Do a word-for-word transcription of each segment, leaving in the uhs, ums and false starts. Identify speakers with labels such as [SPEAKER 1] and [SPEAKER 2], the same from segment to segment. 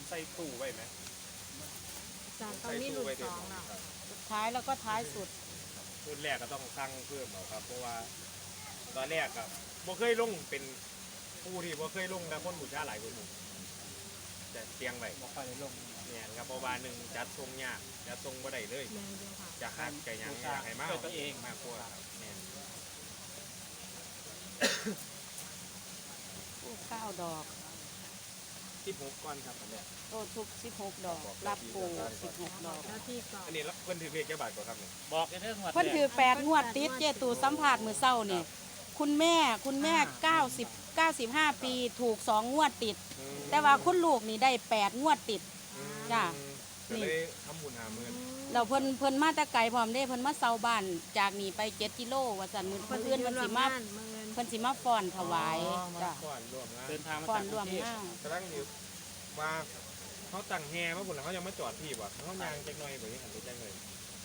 [SPEAKER 1] ใส่ตู้ไว้ไหม
[SPEAKER 2] อาจารย์ต้องมีรุ่นสองแล้ว
[SPEAKER 3] สุดท้ายแล้วก็ท้ายสุด
[SPEAKER 1] รุ่นแรกก็ต้องสั่งเพิ่มเอาครับเพราะว่าตอนแรกอะบ่เคยลงเป็นผู้ที่บ่เคยลงแต่คนบูชาหลายคนหมู่จะเตียงไว้
[SPEAKER 4] บ่ค่อยได้ลง
[SPEAKER 1] เนี่ยครับเพราะว่าหนึ่งจัดทรงยากจัดทรงบ่ได้เลย
[SPEAKER 2] แมนเดียวค่ะ
[SPEAKER 1] จะหักไก่ยังอยากให้มากตัวเองมากกว่าเนี่ย
[SPEAKER 3] ทูบเก้าดอก
[SPEAKER 1] ที่หกก้อนครับอันเนี้ย
[SPEAKER 3] โต้ทุกสิบหกดอก รับปูสิบหกดอก
[SPEAKER 2] หน้าที่ก่อน
[SPEAKER 1] อันนี้แล้วเพิ่นถือเลขแค่บาทกว่าครับเนี่ย
[SPEAKER 4] บอกกันเรื่องหมด
[SPEAKER 3] เพิ่นถือแปดงวดติดเจตูสัมผัสมือเศร้านี่คุณแม่คุณแม่เก้าสิบเก้าสิบห้าปีถูกสองงวดติด
[SPEAKER 1] อืม
[SPEAKER 3] แต่ว่าคุณลูกนี่ได้แปดงวดติด
[SPEAKER 1] อืม
[SPEAKER 3] จ้ะ
[SPEAKER 1] ก็เลยทำบุญหาเงิน
[SPEAKER 3] เราเพิ่นเพิ่นมาแต่ไกลพร้อมเด้เพิ่นมาเซาบ้านจากนี่ไปเจ็ดกิโลว่าซั่นมื้อ
[SPEAKER 2] คน
[SPEAKER 3] เอื่น
[SPEAKER 2] ยื
[SPEAKER 3] เพิ่
[SPEAKER 2] น
[SPEAKER 3] น
[SPEAKER 2] รว
[SPEAKER 3] สิ
[SPEAKER 2] ม
[SPEAKER 3] มา
[SPEAKER 2] บ้านเมืองเงิน
[SPEAKER 3] เพิ่นสิมาฟ้อนถวายจ้ะ
[SPEAKER 1] ก่อนรวมงาน
[SPEAKER 4] เดินทางมา
[SPEAKER 3] ฟ้อ
[SPEAKER 4] จาน กก
[SPEAKER 3] ร
[SPEAKER 4] รุ
[SPEAKER 3] วม
[SPEAKER 4] งเทพ
[SPEAKER 3] งาน
[SPEAKER 1] กำลังอยู่ว่าเขาตั้งแฮมาพุ่นแล้วเขายังมาจอดที่บ่เขายางจักหน่อยบ่ยังหันไปจังเลย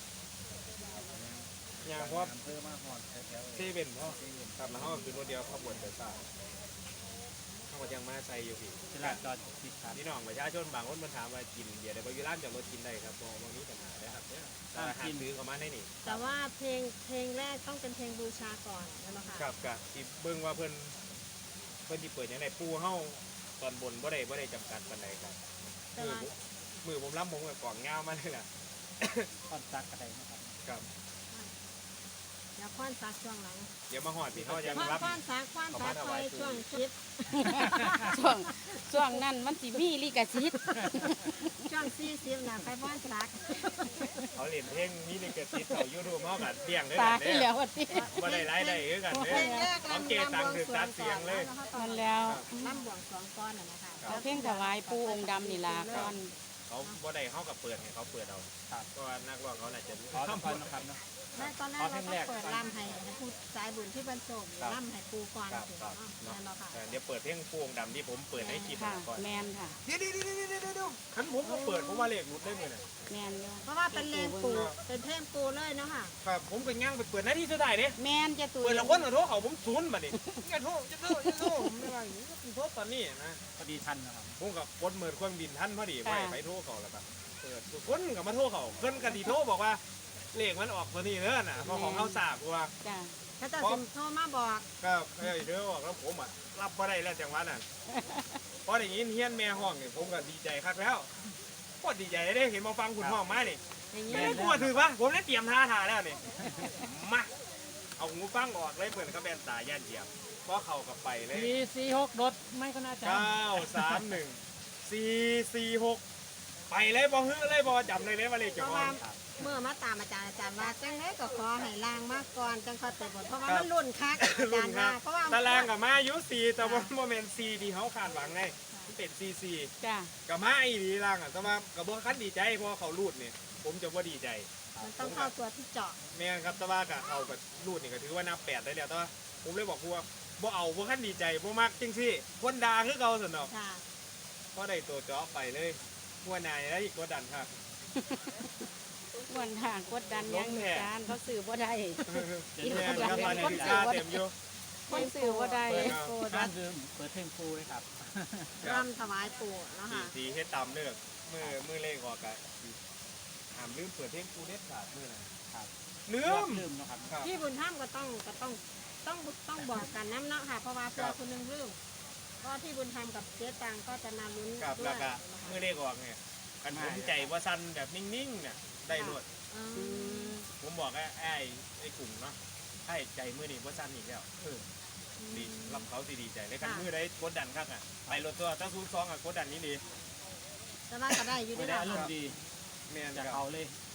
[SPEAKER 1] ยางเพราะว่า
[SPEAKER 4] เพิ่มมาหอดแถว
[SPEAKER 1] เซเว่นพ่อครับแล้วเขาก็คือรถเดียวขบวนไปซ่าเขาก็ยังมาใส่อยู่พี่
[SPEAKER 4] ตลาดจอดติดขัด
[SPEAKER 1] พี่น้องประชาชนบางคนมันถามว่ากินเบียร์ได้บ่อยู่ร้านจอดรถกินได้ครับบ่บ่มีปัญหาเลยครับเนี่ยแต่หาซื้อเข้ามาได้นี่
[SPEAKER 2] แต่ว่าเพลงเพลงแรกต้องเป็นเพลงบูชาก่อนนะคะ
[SPEAKER 1] ครับกับที่เบิ่งว่าเพิ่นเพิ่นสิเปิดจังได๋ปูเฮาตอนบนบ่ได้บ่ได้จำกัดปานใดครับ
[SPEAKER 2] แต่
[SPEAKER 1] มือ
[SPEAKER 2] ว่า
[SPEAKER 1] ผมมือผมรับผมกับกล่องยาวมาเลยล่ะ
[SPEAKER 4] คอนซักอะไรนะครับ
[SPEAKER 1] ครับ
[SPEAKER 2] อย่าคว้านซักช่วงหลัง
[SPEAKER 1] เดี๋ยวมาฮอดพี่เฮายัง
[SPEAKER 2] คว้าน
[SPEAKER 1] รับ
[SPEAKER 2] คว้านซักคว้านซักไปช่วงคลิป
[SPEAKER 3] ช่วงช่วงนั้นมันสิมีลิขสิทธิ์
[SPEAKER 2] ช่วงสี่สิบนะไปคว้านซัก
[SPEAKER 1] เขาเล่นเพลงมีลิขสิทธิ์เขา YouTube เฮาก็เลี้ยงได้
[SPEAKER 3] ตา
[SPEAKER 1] กัน
[SPEAKER 3] ย
[SPEAKER 1] เด้
[SPEAKER 3] แล้ววันนี้
[SPEAKER 1] บ่ได้รายได้คือกันเด้
[SPEAKER 2] เพลงแรก
[SPEAKER 1] เขา
[SPEAKER 2] ลำ
[SPEAKER 1] เกตังค์คือตัดเสียงเลย
[SPEAKER 3] มันแล้ว
[SPEAKER 2] ลำบวงสรวงก้อนน่ะนะคะ
[SPEAKER 3] เอาเพลงถวายปูองค์ดำนี่ล่ะก่อน
[SPEAKER 1] เขาบ่ได้เฮาก็เปิดให้เขาเปิดเอาครับเพราะว่านักร้องเขาน่าจะ
[SPEAKER 4] ขอทุกคนนะครับเนาะ
[SPEAKER 2] แม่ตอนแรกเราต้องเปิดลำให้ให้ผู้สายบุญที่บรรจบลำให้ปูก่อน
[SPEAKER 1] ครับ
[SPEAKER 2] สิ
[SPEAKER 1] ครับ
[SPEAKER 2] เนาะแม่นบ่ค่ะ
[SPEAKER 1] เออเดี๋ยวเปิดเพลงปูองค์ดำที่ผมเปิดให้คลิป
[SPEAKER 3] ค่ะ
[SPEAKER 1] ก่อน
[SPEAKER 3] แมนค่ะ
[SPEAKER 1] เดี๋ยวๆๆๆๆคันผมก็เปิดผมว่าเลขหลุดได้มื้อน่ะ
[SPEAKER 3] แมนอยู่
[SPEAKER 2] เพราะว่าเป็นเลนปูเป็นเพลงปูเลยเนาะค่ะ
[SPEAKER 1] ครับผมก็ย่างไปเปิดหน้าที่สุดท้ายเด้
[SPEAKER 3] แมนเจตู
[SPEAKER 1] เปิดละคนก็โทรเขาผมศูนย์บัดนี้อย่าโทรอย่าโทรอย่าโทรผมไม่ว่าอย่างนี้โทรตอนนี้นะ
[SPEAKER 4] พอดีทันนะครับ
[SPEAKER 1] ผมกับกดเมิดเครื่องบินท่านพอดีไปไปโทรเขาแล้วแบบเปิดทุกคนกับมาโทรเขาเพิ่นกันดีโทรบอกว่าเลขมันออกตัวนี้เด้อน่ะเพราะของเขาทราบว่า
[SPEAKER 3] จ้ะ
[SPEAKER 2] เขาจะสิโทรมาบอก
[SPEAKER 1] ก็เอ้ยเด้อบอกแล้วผมอ่ะรับบ่ได้แล้วจังหวะนั้นพอได้ยินเฮียนแม่ห้องนี่ผมก็ดีใจคักแล้วก็ดีใจได้เห็นมาฟังคุณห้องมานี่
[SPEAKER 2] อย่างนี้
[SPEAKER 1] ไม่ได้กลัวถือปะผมได้เตรียมท่าทาแล้วนี่มาเอาหูฟังออกเลยเปิดกระแบนตาย่านเหยียบเพราะเขากับไปเลย
[SPEAKER 4] สี่สี่หกรถไม่ก็น่าจะ
[SPEAKER 1] เก้าสามหนึ่งสี่สี่หกไปเลยบอฮื้อเลยบอจำเลยเลยว่าเลข
[SPEAKER 2] เพ
[SPEAKER 1] เจ้า
[SPEAKER 2] ราะ
[SPEAKER 1] ขอ
[SPEAKER 2] ว่าง เมื่อมาตามอาจารย์อาจารย์ว่าจังไดก็ขอให้ลางมาก่อนจังค่อยไปบนเพราะว่ามันรุ่นคักอาจารย์ว่าเพราะว่า
[SPEAKER 1] ตารางกับมาอายุสี่แต่ว่าโมเมนต์สี่ที่เขาคาดหวังไงมันเป็นสี่สี่
[SPEAKER 3] จ้ะ
[SPEAKER 1] กับมาอีดีล่างอ่ะแต่ว่ากับบ่คันดีใจเพราะเขารูดเนี่ยผมจะว่าดีใจ
[SPEAKER 2] มันต้องเข้าตัวที่เจาะ
[SPEAKER 1] แม่นครับแต่ว่ากับเขากับรูดนี่ก็ถือว่านับแปดได้แล้วแต่ว่าผมเลยบอกพวกบ่เอาบ่คันดีใจบ่มักจริงสิคนด่าคือเขาสนอก
[SPEAKER 2] ค่ะ
[SPEAKER 1] เพราะได้ตัวเจาะไปเลยหัวนายแล้วอีกกดดันครับ
[SPEAKER 3] วันทางกดดันยังจานเขาสื่อบ่ได้
[SPEAKER 1] แม่นครับตอนนี้ค่าเต็มอยู่
[SPEAKER 3] คนสื่อบ่ได้
[SPEAKER 4] เปิด
[SPEAKER 2] โปร
[SPEAKER 4] ร้า
[SPEAKER 2] ดั
[SPEAKER 4] น
[SPEAKER 2] ก
[SPEAKER 4] เดิมเปิดเพลงฟูเลยครับ
[SPEAKER 2] รำถวายปู่เนาะ
[SPEAKER 1] สี
[SPEAKER 2] ค่ะ
[SPEAKER 1] สีเฮ็ดตามเลือกมือมือเลขออกกะห้ามลืมเปิดเพลงกูเด็ดขาดมือน่ะ
[SPEAKER 4] ครับ
[SPEAKER 1] ลืม
[SPEAKER 4] ลืมนะครับ
[SPEAKER 1] ครับ
[SPEAKER 2] ที่บุญธรรมก็ต้องก็ต้องต้องต้องบอกกันน้ำเนาะค่ะเพราะว่าเพื่อคนหนึงลืมก็ที่บุญธรรมกับเจ๊ตังก็จะมาลุ้น
[SPEAKER 1] ครับ
[SPEAKER 2] ด้ว
[SPEAKER 1] แล้ว
[SPEAKER 2] ย
[SPEAKER 1] ก็
[SPEAKER 2] นะคะ
[SPEAKER 1] มือเลขออกเนี่ยกันผมใจว่าสั้นแบบนิ่งๆเนี่ยได้รวด
[SPEAKER 2] อืม
[SPEAKER 1] ผมบอกไอ้ไอ้ไอ้กลุ่มเนาะให้ใจมือนี่ว่าสั้นอีกแล้วเออดีรับเขาสิดีใจเลยกันมือได้กดดันครับอ่ะไปรถตัวถ้าซูซองอ่ะกดดันนี้ดี
[SPEAKER 2] แต่ว่าก็ได้อยู่
[SPEAKER 4] ไม่
[SPEAKER 2] ด้วย
[SPEAKER 4] ได้
[SPEAKER 2] นะ
[SPEAKER 4] อารมณ์ดี
[SPEAKER 1] แม่น
[SPEAKER 4] จาก
[SPEAKER 1] ครับ
[SPEAKER 4] เขาเลย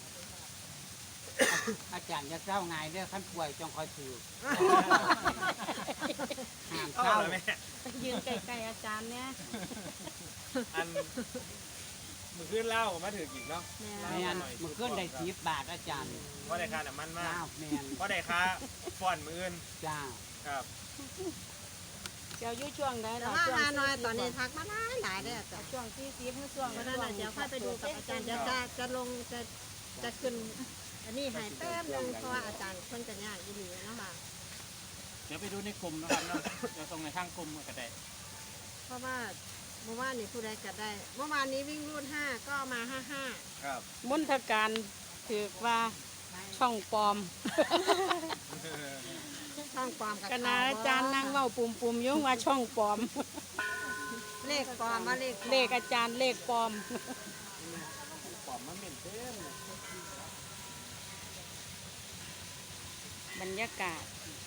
[SPEAKER 5] อาจารย์จะเศร้าไงเด้อขั้นป่วยจงคอยถือห้าม
[SPEAKER 1] เอา
[SPEAKER 5] เศร้า
[SPEAKER 1] ละแม่
[SPEAKER 3] ยืนไกลๆอาจารย์เนี่ย
[SPEAKER 1] อันมือขึ้นเล่ามาถือกี่เนาะ
[SPEAKER 2] แม่
[SPEAKER 5] ไม่อันมันขึ้นได้สิบบาทอาจารย์
[SPEAKER 1] เพราะได้ค่าน้ำมันมาก
[SPEAKER 5] เจ้าแมน
[SPEAKER 1] เพราะได้ค่าฟอนมืออื่น
[SPEAKER 5] เจ้า
[SPEAKER 1] ครับ
[SPEAKER 3] เจ้าอยู่ช่วงใด
[SPEAKER 2] แต่
[SPEAKER 3] ล่ะ
[SPEAKER 2] ว่า
[SPEAKER 3] ช่วง
[SPEAKER 2] ฮานอยตอนนี้ทักมาหลายหลายเลยอาจารย์
[SPEAKER 3] ช่วงที่สิบหรือช่วง
[SPEAKER 2] เพราะฉะนั้นน่ะเดี๋ยวค่อยไปดูกับอาจารย์เดี๋ยวจะจะลงจะจะขึ้นอันนี้ให้แป๊บนึงเพราะว่าอาจารย์เพิ่นจะยากอีหลีเนาะค่ะ
[SPEAKER 4] เดี๋ยวไปดูในกลุ่มนะครับเนาะเดี๋ยวส่งในทางกลุ่มก็ได้
[SPEAKER 2] เพราะว่าเมื่อวานนี้ผู้ใดก็ได้ เมื่อวานนี้วิ่งรูดห้าก็มาห้าห้า
[SPEAKER 1] ครับ
[SPEAKER 3] มนทการถือว่าช่องปลอม
[SPEAKER 2] ช่องปลอมกับ
[SPEAKER 3] คณะอาจารย์นั่งเว้าปุ่มปุ่มๆอยุ่งว่าช่องปลอม
[SPEAKER 2] เลขปลอมมาเลข
[SPEAKER 3] เลขอาจารย์เลขปลอม
[SPEAKER 5] ปอมมันเหม็นเต็ม
[SPEAKER 3] บรรยากาศ